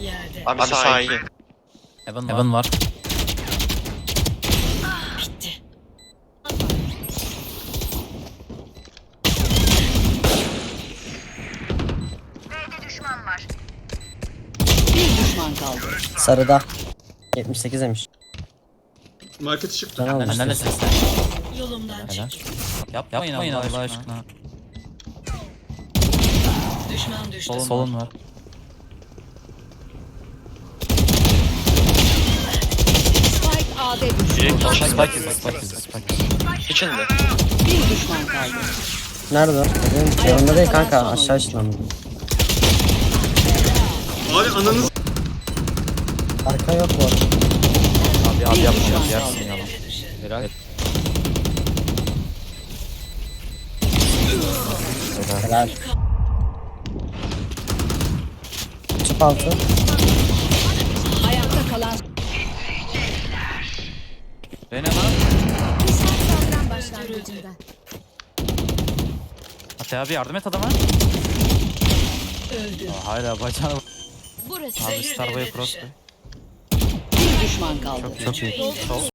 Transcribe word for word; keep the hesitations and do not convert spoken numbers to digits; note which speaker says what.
Speaker 1: Yerde.
Speaker 2: Abi, Abi sahi.
Speaker 3: Heaven, Heaven var.
Speaker 1: Bitti.
Speaker 4: Bir düşman kaldı.
Speaker 5: Sarıda. yetmiş sekiz demiş.
Speaker 6: Market çıktı.
Speaker 5: Can almış.
Speaker 3: Benden de seslen.
Speaker 1: Yolumdan
Speaker 3: Helal.
Speaker 1: çek.
Speaker 3: Yapmayın, Yapmayın Allah, Allah aşkına.
Speaker 1: Düşman düştü.
Speaker 3: Solun, Solun var.
Speaker 4: Spike A'da düştü.
Speaker 2: Direkt aşağı
Speaker 3: Spike
Speaker 2: gidiyor.
Speaker 3: izle, Spike izle, Spike izle.
Speaker 2: İçinde.
Speaker 4: Bir düşman kaldı.
Speaker 5: Nerede o? Benim yanımda değil kanka. Aşağı ışınlandı.
Speaker 6: Abi ananız.
Speaker 5: Arka yok bu arada.
Speaker 3: Abi abi
Speaker 4: Bir
Speaker 3: yapma,
Speaker 4: düşman
Speaker 3: yap,
Speaker 4: kaldı.
Speaker 3: yersin yalan. Helal.
Speaker 5: Helal. Çıp altı.
Speaker 4: Ayakta kalan
Speaker 3: Reyna lan.
Speaker 4: saldıran başlangıcında.
Speaker 3: Ate abi yardım et adama.
Speaker 1: Öldü.
Speaker 3: Aa, hala bacağına.
Speaker 4: Burası.
Speaker 3: Abi
Speaker 1: Zehir
Speaker 3: Starboy
Speaker 1: devre
Speaker 3: cross.
Speaker 1: dışı.
Speaker 4: Bir düşman kaldı.
Speaker 3: Çok iyi. Sol.